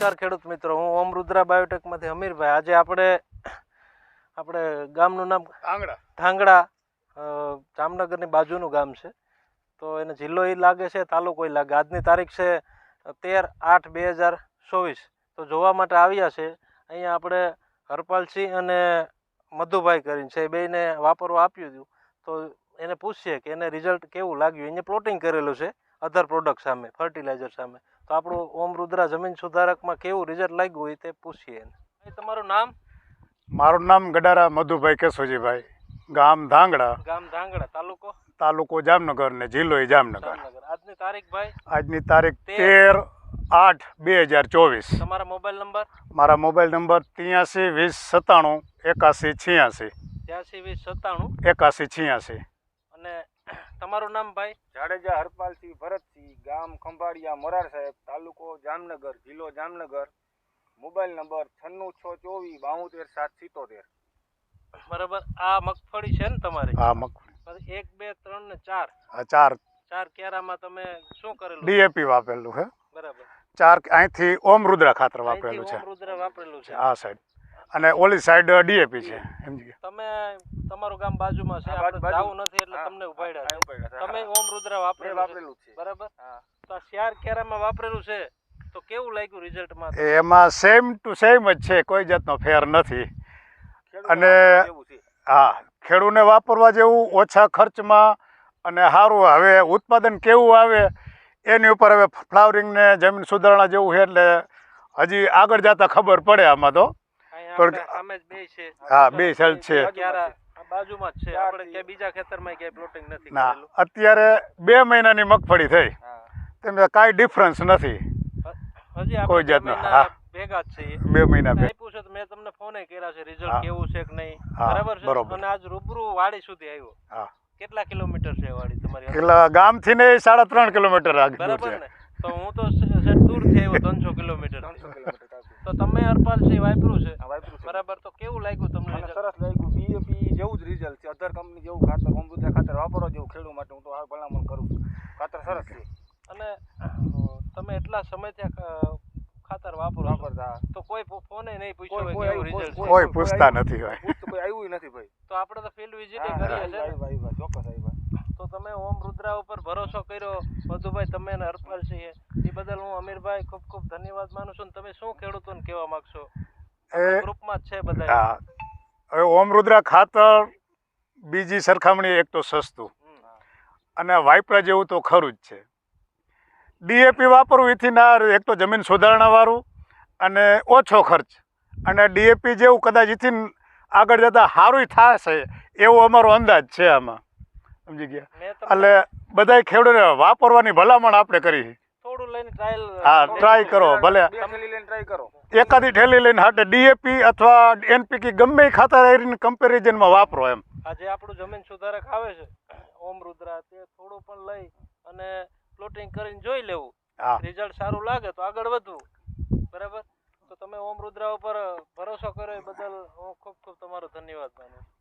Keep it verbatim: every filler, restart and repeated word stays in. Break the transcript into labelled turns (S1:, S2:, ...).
S1: નમસ્કાર ખેડૂત મિત્રો, હું ઓમ રુદ્રા બાયોટેકમાંથી અમીરભાઈ. આજે આપણે આપણે ગામનું નામ
S2: ધાંગડા
S1: ધાંગડા જામનગરની બાજુનું ગામ છે, તો એને જિલ્લો એ લાગે છે, તાલુકો એ લાગે. આજની તારીખ છે તેર આઠ બે હજાર ચોવીસ. તો જોવા માટે આવ્યા છે અહીંયા આપણે હરપાલસિંહ અને મધુભાઈ કરીને છે, એ બેને વાપરવા આપ્યું હતું. તો એને પૂછીએ કે એને રિઝલ્ટ કેવું લાગ્યું. એને પ્લોટિંગ કરેલું છે અધર પ્રોડક્ટ સામે, ફર્ટિલાઇઝર સામે. તો આપણું ઓમ રુદ્રા જમીન સુધારકમાં કેવું રિઝલ્ટ લાગ્યું એ તે પૂછીએ. તમારું નામ?
S2: મારું નામ ગડારા મધુભાઈ કેશોજીભાઈ, ગામ ધાંગડા,
S1: ગામ ધાંગડા, તાલુકો
S2: તાલુકો જામનગર ને જિલ્લો એ જામનગર.
S1: જામનગર. આજની તારીખ ભાઈ?
S2: આજની તારીખ તેર આઠ બે હજાર ચોવીસ.
S1: તમારા મોબાઈલ નંબર?
S2: મારા મોબાઈલ નંબર ત્યાંસી વીસ સત્તાણું એકાસી છ્યાસી.
S1: ત્યાંસી વીસ સત્તાણું
S2: એકાસી છ્યાસી.
S1: અને તમારું નામ ભાઈ?
S3: જાડેજા હરપાલસિંહ ભરતસિંહ, ગામ ખંભાળિયા મોરાર સાહેબ, તાલુકો જામનગર, જિલ્લો જામનગર. મોબાઈલ નંબર છન્નું છ ચોવીસ બાવતેર સાત સિત્તોતેર.
S1: બરાબર. આ મગફળી છે ને તમારી?
S2: હા, મગફળી.
S1: એક બે ત્રણ ને ચાર
S2: ચાર
S1: ચાર કેરામાં તમે શું કરેલું?
S2: ડીએપી વાપરેલું છે.
S1: બરાબર.
S2: ચાર અહીંથી ઓમ રુદ્રા ખાતર વાપરેલું છે.
S1: ઓમ રુદ્રા વાપરેલું છે
S2: આ સાઈડ, અને ઓલી સાઈડ ડીએપી છે. સમજી ગયા?
S1: તમે તમારું ગામ બાજુમાં છે, આપણે જાવું નથી એટલે તમને ઉપાડ્યા છે. તમે ઓમ રુદ્રા વાપરેલું છે, બરાબર? તો આ ચાર કેરામાં વાપરેલું છે, તો કેવું લાગ્યું રિઝલ્ટમાં?
S2: એમાં સેમ ટુ સેમ જ છે, કોઈ જાતનો ફેર નથી. અને હા, ખેડૂને વાપરવા જેવું, ઓછા ખર્ચમાં અને સારું. હવે ઉત્પાદન કેવું આવે એની ઉપર હવે ફ્લાવરિંગ ને જમીન સુધારણા જેવું છે, એટલે હજી આગળ જતા ખબર પડે આમાં. તો હા, બે સાઈડ છે,
S1: બાજુમાં જ છે. આપણે કે બીજા ખેતરમાં ક્યાંય પ્લોટિંગ નથી
S2: ના. અત્યારે બે મહિનાની મગફળી થઈ, તેમાં કાંઈ ડિફરન્સ નથી કોઈ જાતનો. હા,
S1: ભેગા જ છે.
S2: બે મહિના
S1: આપ્યું છે. મેં તમને ફોન કર્યા છે રિઝલ્ટ કેવું છે કે નહીં, બરાબર છે? અને આજ રૂબરૂ વાડી સુધી આવ્યો. હા. કેટલા કિલોમીટર છે વાડી તમારી?
S2: કેટલા ગામથી ને સાડા ત્રણ કિલોમીટર આગળ,
S1: બરાબર ને? તો હું તો દૂરથી આવ્યો, ત્રણસો કિલોમીટર. તો તમે હરપાલસિંહ વાપર્યું છે, બરાબર? તો કેવું લાગ્યું તમને?
S3: સરસ લાગ્યું. ડીએપી જેવું જ રિઝલ્ટ છે, અધર કંપની જેવું ખાતર, ઓમ રુદ્રા ખાતર વાપરવા જેવું ખેડૂત માટે હું તો આ ભલામણ કરું છું. ખાતર સરસ છે.
S1: અને તમે એટલા સમયથી ખાતર વાપરો વાપરતા, તો કોઈ ફોને નહીં પૂછ્યો કેવું રિઝલ્ટ છે?
S2: કોઈ પૂછતા નથી હોય,
S3: કોઈ આવ્યું નથી ભાઈ.
S1: તો આપણે તો ફિલ્ડ વિઝિટ કરીએ છે.
S3: ચોક્કસ આવ્યા.
S1: તો તમે ઓમ રુદ્રા ઉપર ભરોસો કર્યો મધુભાઈ, તમે અને હરપાલસિંહ, એ બદલ હું અમીરભાઈ ખૂબ ખૂબ ધન્યવાદ માનું છું. તમે શું ખેડૂતોને કહેવા માંગશો? ગ્રુપમાં જ છે બધા.
S2: હવે ઓમ રુદ્રા ખાતર બીજી સરખામણી એક તો સસ્તું અને વાપરા જેવું તો ખરું જ છે. ડીએપી વાપરવું એથી ના, એક તો જમીન સુધારણા વાળું અને ઓછો ખર્ચ, અને ડીએપી જેવું કદાચ એથી આગળ જતા સારું થશે એવો અમારો અંદાજ છે આમાં. સમજી ગયા? એટલે બધા ખેડૂતોને વાપરવાની ભલામણ આપણે કરી.
S1: થોડું લઈને ટ્રાયલ,
S2: હા, ટ્રાય કરો. ભલે
S3: ટ્રાય કરો,
S2: એકાદી ઠેલી લઈને હાટે ડીએપી અથવા એનપીકે ગમે ખાતર કમ્પેરિઝનમાં વાપરો એમ.
S1: આજે આપણું જમીન સુધારક આવે છે ઓમ રુદ્રા, તે થોડું પણ લઈ અને પ્લોટિંગ કરીને જોઈ લેવું. રિઝલ્ટ સારું લાગે તો આગળ વધવું, બરાબર? તો તમે ઓમ રુદ્રા ઉપર ભરોસો કર્યો એ બદલ હું ખૂબ ખૂબ તમારો ધન્યવાદ માનું છું.